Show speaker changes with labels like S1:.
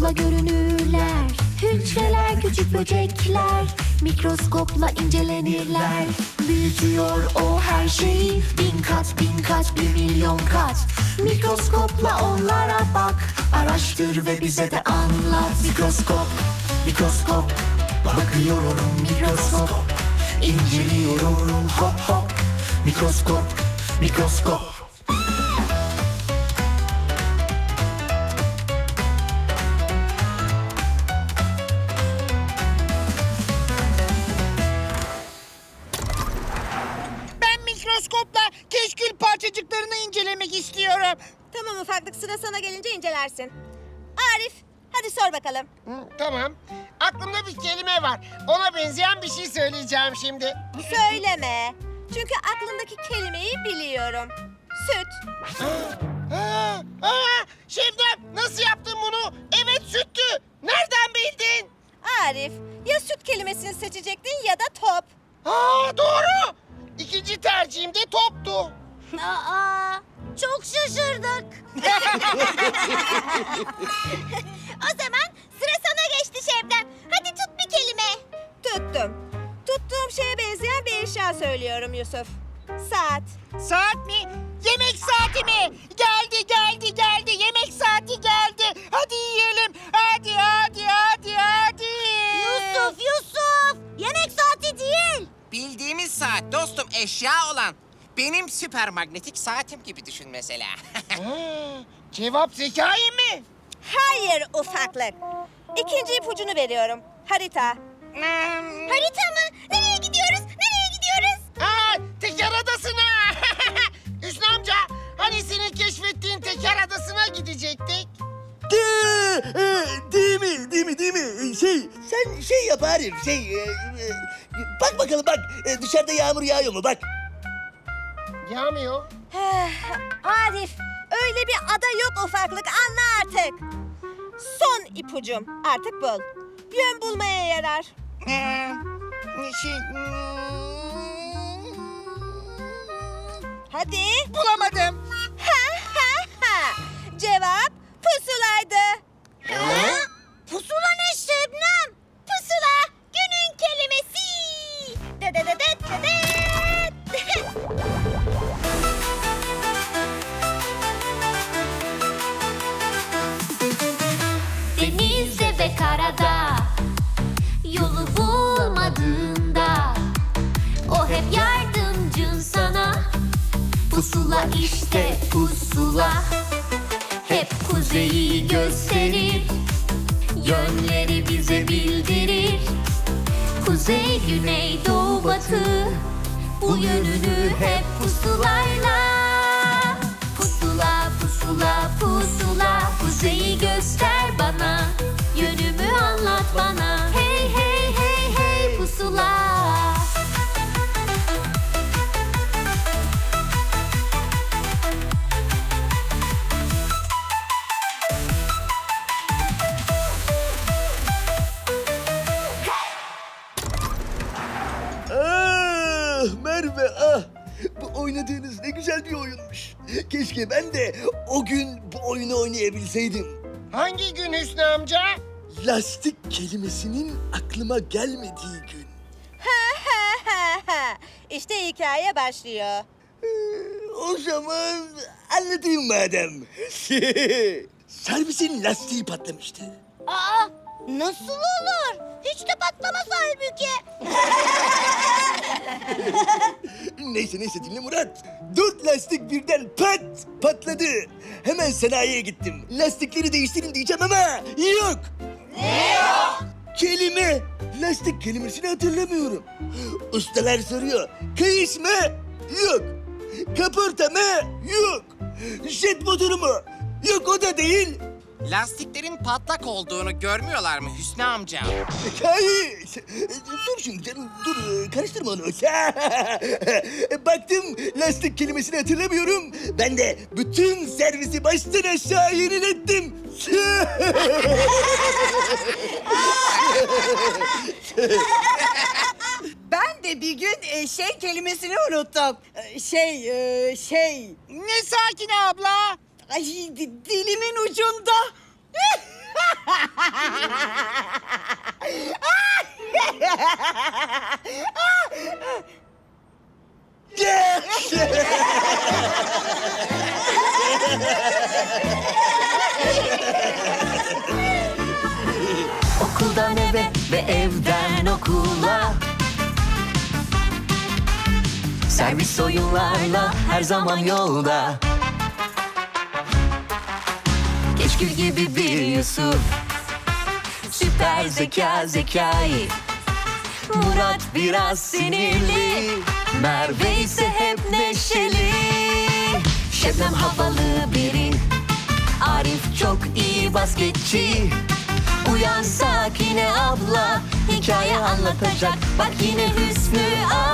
S1: Mikroskopla görünürler. Hücreler, küçük böcekler. Mikroskopla incelenirler. Büyütüyor o her şeyi. Bin kat, bin kat, 1.000.000 kat. Mikroskopla onlara bak. Araştır ve bize de anlat. Mikroskop, mikroskop. Bakıyorum mikroskop. İnceliyorum hop hop. Mikroskop, mikroskop.
S2: Ben mikroskopla keşkül parçacıklarını incelemek istiyorum.
S3: Tamam ufaklık, sıra sana gelince incelersin. Arif, hadi sor bakalım.
S2: Tamam. Aklımda bir kelime var. Ona benzeyen bir şey söyleyeceğim şimdi.
S3: Söyleme. Çünkü aklındaki kelimeyi biliyorum. Süt.
S2: Şebnem, nasıl yaptın bunu? Evet, süttü. Nereden bildin?
S3: Arif, ya süt kelimesini seçecektin ya da top.
S2: Doğru. İkinci tercihim de toptu.
S3: Aa, çok şaşırdık. O zaman sıra sana geçti Şebnem. Hadi tut bir kelime. Tuttum. Tuttuğum şeye benzeyen bir eşya söylüyorum Yusuf. Saat.
S2: Saat mi? Yemek saati mi? Geldi, geldi, geldi. Yemek saati geldi. Hadi yiyelim. Hadi, hadi, hadi, hadi.
S3: Yusuf! Yemek saati değil.
S4: Bildiğimiz saat dostum, eşya olan. Benim süper magnetik saatim gibi düşün mesela.
S2: Cevap Zekai mi?
S3: Hayır ufaklık. İkinci ipucunu veriyorum. Harita. Harita mı? Nereye gidiyoruz? Nereye gidiyoruz?
S2: Teker Adası'na. Hüsnü amca, hani senin keşfettiğin Teker Adası'na gidecektik?
S5: Değil mi? Sen şey yap Arif, bak bakalım bak, dışarıda yağmur yağıyor mu bak.
S2: Yağmıyor.
S3: Arif, öyle bir ada yok ufaklık, anla artık. Son ipucum, artık bul. Yön bulmaya yarar. Hadi.
S2: Bulamadım.
S3: Cevap pusulaydı. Pusula ne Şebnem? Pusula, günün kelimesi.
S1: Denizde ve karada, yolu bulmadığında, o hep yardımcın sana. Pusula işte pusula, hep kuzeyi gösterir, yönleri bize bildirir. Kuzey, güney, doğu, batı, bu yönünü hep pusulayla. Pusula, pusula, pusula, kuzeyi göster bana, yönümü anlat bana. Hey, hey, hey, hey pusula.
S5: Merve bu oynadığınız ne güzel bir oyunmuş. Keşke ben de o gün bu oyunu oynayabilseydim.
S2: Hangi gün Hüsnü amca?
S5: Lastik kelimesinin aklıma gelmediği gün.
S3: İşte hikaye başlıyor.
S5: O zaman anlatayım madem. Servisin lastiği patlamıştı.
S3: Aa, nasıl olur? Hiç de patlamaz halbuki.
S5: Neyse dinle Murat. 4 lastik birden patladı. Hemen sanayiye gittim. Lastikleri değiştirin diyeceğim ama yok. Ne yok? Kelime. Lastik kelimesini hatırlamıyorum. Ustalar soruyor. Kayış mı? Yok. Kaporta mı? Yok. Jet motoru mu? Yok, o da değil.
S4: Lastiklerin patlak olduğunu görmüyorlar mı Hüsnü amca?
S5: Kayış. Dur şimdi canım, dur. Karıştırma onu. Baktım lastik kelimesini hatırlamıyorum. Ben de bütün servisi baştan aşağı yenilettim.
S6: Ben de bir gün şey kelimesini unuttum.
S2: Ne Sakine abla?
S6: Ay dilimin ucunda.
S7: Okuldan eve ve evden okula, servis oyunlarla her zaman yolda. Keşkül gibi bir Yusuf, süper zeka Zekai. Murat biraz sinirli, Merve ise hep neşeli. Şebnem havalı biri, Arif çok iyi basketçi. Uyan Sakine abla, hikaye anlatacak. Bak yine Hüsnü